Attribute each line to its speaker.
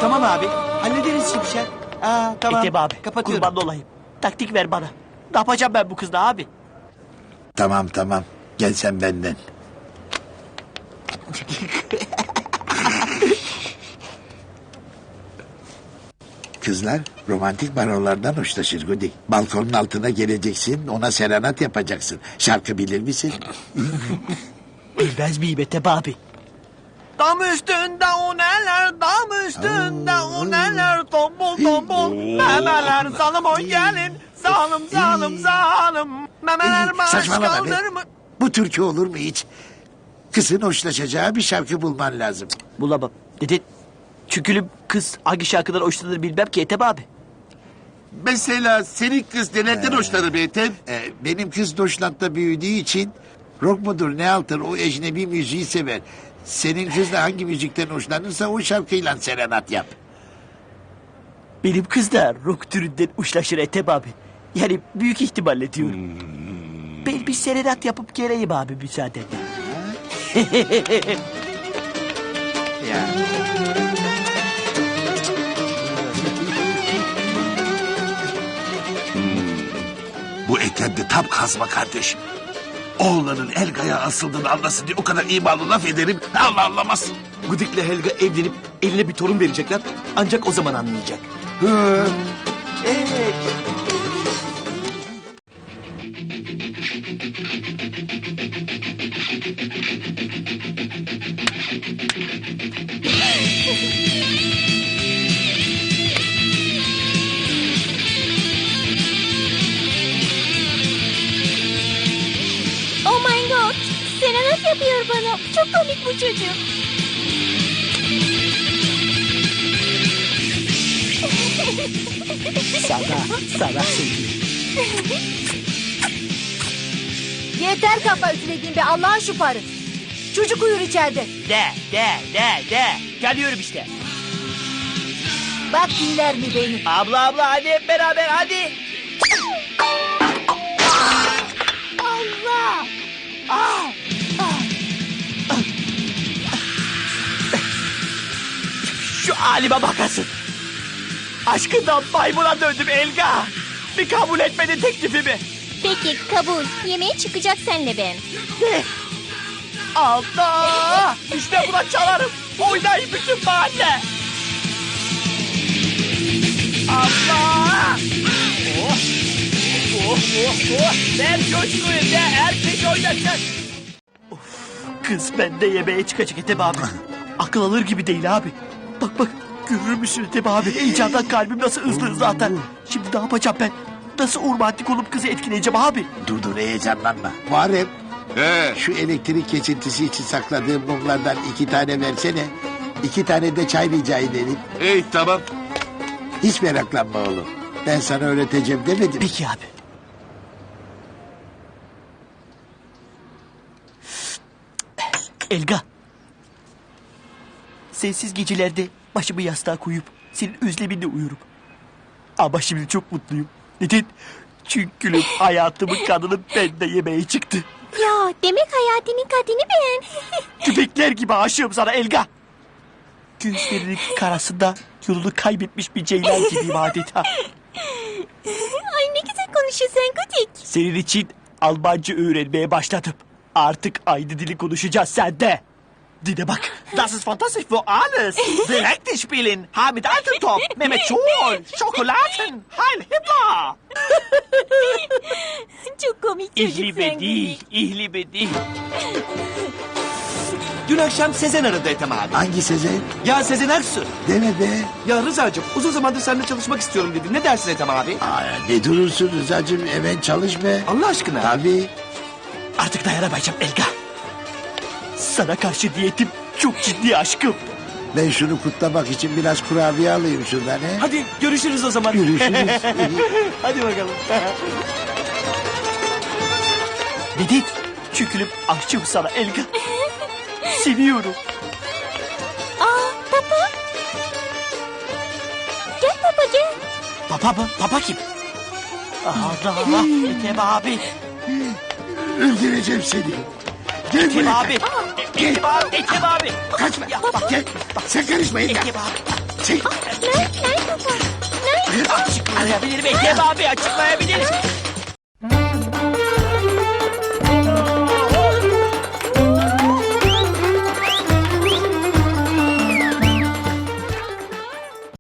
Speaker 1: Tamam abi. Hallederiz Şimşek. Tamam.
Speaker 2: Ethem abi
Speaker 1: Kapatıyorum.
Speaker 2: kurban olayım. Taktik ver bana. Ne yapacağım ben bu kızla abi?
Speaker 3: Tamam tamam. Gel sen benden. Kızlar romantik barolardan hoşlaşır Gudi. Balkonun altına geleceksin, ona serenat yapacaksın. Şarkı bilir misin?
Speaker 2: Bilmez miyim Ethem abi?
Speaker 1: Dam üstünde o neler, dam üstünde o neler, tombul tombul memeler, zalım o gelin, zalım zalım zalım, memeler baş
Speaker 3: Saçmalama be.
Speaker 1: kaldırma.
Speaker 3: Bu türkü olur mu hiç? Kızın hoşlaşacağı bir şarkı bulman lazım.
Speaker 2: Bulamam. Dedin. Çünkü kız hangi şarkıdan hoşlanır bilmem ki Ethem abi.
Speaker 4: Mesela senin kız nelerden hoşlanır be Ethem?
Speaker 3: Benim kız Doşland'da büyüdüğü için rock mudur ne altır o ecnebi müziği sever. Senin kız da hangi müzikten hoşlanırsa o şarkıyla serenat yap.
Speaker 2: Benim kız da rock türünden uçlaşır Ethem abi. Yani büyük ihtimalle diyorum. Ben bir serenat yapıp geleyim abi müsaadenle.
Speaker 1: Ya.
Speaker 4: Bu Ethem de tam kazma kardeş. Oğlanın Helga'ya asıldığını anlasın diye o kadar imalı laf ederim. Allah anlamaz.
Speaker 1: Gudik'le Helga evlenip eline bir torun verecekler. Ancak o zaman anlayacak. Evet.
Speaker 5: Oh my god. Serenat yapıyor bana. Çok komik bu çocuk.
Speaker 2: Sana söyleyeyim.
Speaker 5: Yeter kafa üflediğin be Allah'ın şu parı. Çocuk uyur içeride.
Speaker 2: De. Geliyorum işte.
Speaker 5: Bak dinler mi beni?
Speaker 2: Abla hadi hep beraber hadi.
Speaker 5: Allah! Ah!
Speaker 2: Şu halime bakasın. Aşkından maymuna döndüm Elga. Bir kabul etmedin teklifimi.
Speaker 5: Peki kabul. Yemeğe çıkacak senle ben.
Speaker 2: Ne? Allah! İşte buna çalarım. Oynayın bütün mahalle. Allah! Oh! Ver coşkuyu de herkes oynasın. Of, kız bende yemeğe çıkacak Ethem abi. Akıl alır gibi değil abi. Bak görür müsün Ethem abi? Heyecandan kalbim nasıl hızlı zaten. Şimdi ne yapacağım ben? Nasıl romantik olup kızı etkileyeceğim abi?
Speaker 3: Dur heyecanlanma. Muharrem
Speaker 4: He.
Speaker 3: şu elektrik kesintisi için sakladığım mumlardan 2 tane versene. 2 tane de çay rica edelim.
Speaker 4: Ey tamam.
Speaker 3: Hiç meraklanma oğlum. Ben sana öğreteceğim demedim.
Speaker 2: Peki abi. Elga. Sensiz gecelerde başımı yastığa koyup senin özleminle uyurum. Ama şimdi çok mutluyum. Neden? Çünkü hayatımın kadını bende yemeğe çıktı.
Speaker 5: Ya demek hayatının kadını ben.
Speaker 2: Köpekler gibi aşığım sana Elga. Gözlerinin karasında yolunu kaybetmiş bir ceylan gibiyim adeta.
Speaker 5: Ay ne güzel konuşuyorsun Gudik.
Speaker 2: Senin için Almanca öğrenmeye başladım. Artık aynı dili konuşacağız sende. Dile bak. Das ist fantastisch für alles. Direkte spielen. Hamid Altentop. Mehmet Scholl. Schokoladen. Heil Hitler.
Speaker 5: Çok komik çocuk sen Gudik.
Speaker 2: İhli değil.
Speaker 1: Dün akşam Sezen aradı Ethem abi.
Speaker 3: Hangi Sezen?
Speaker 1: Ya Sezen Aksu.
Speaker 3: Deme be.
Speaker 1: Ya Rıza'cığım uzun zamandır seninle çalışmak istiyorum dedi. Ne dersin Ethem abi?
Speaker 3: Ne durursun Rıza'cığım hemen çalış be.
Speaker 1: Allah aşkına.
Speaker 3: Tabii.
Speaker 2: Artık dayanamayacağım Elga. Sana karşı niyetim çok ciddi aşkım.
Speaker 3: Ben şunu kutlamak için biraz kurabiye alayım şuradan he.
Speaker 1: Hadi görüşürüz o zaman.
Speaker 3: Görüşürüz.
Speaker 1: Hadi bakalım.
Speaker 2: Neden? Çünkü aşığım sana Elga. Seviyorum.
Speaker 5: Aa papa. Gel papa gel.
Speaker 2: Papa mı? Papa kim? Allah Ethem abi.
Speaker 3: Öldüreceğim seni. Gel
Speaker 2: Ethem
Speaker 3: buraya.
Speaker 2: abi. Ethem abi. Ethem abi.
Speaker 3: Kaçma.
Speaker 2: Ya bak.
Speaker 3: Gel. Sen karışma Elga.
Speaker 2: Ethem abi.
Speaker 3: Sen
Speaker 2: Açıklayabilirim Ethem abi açıklayabilirim.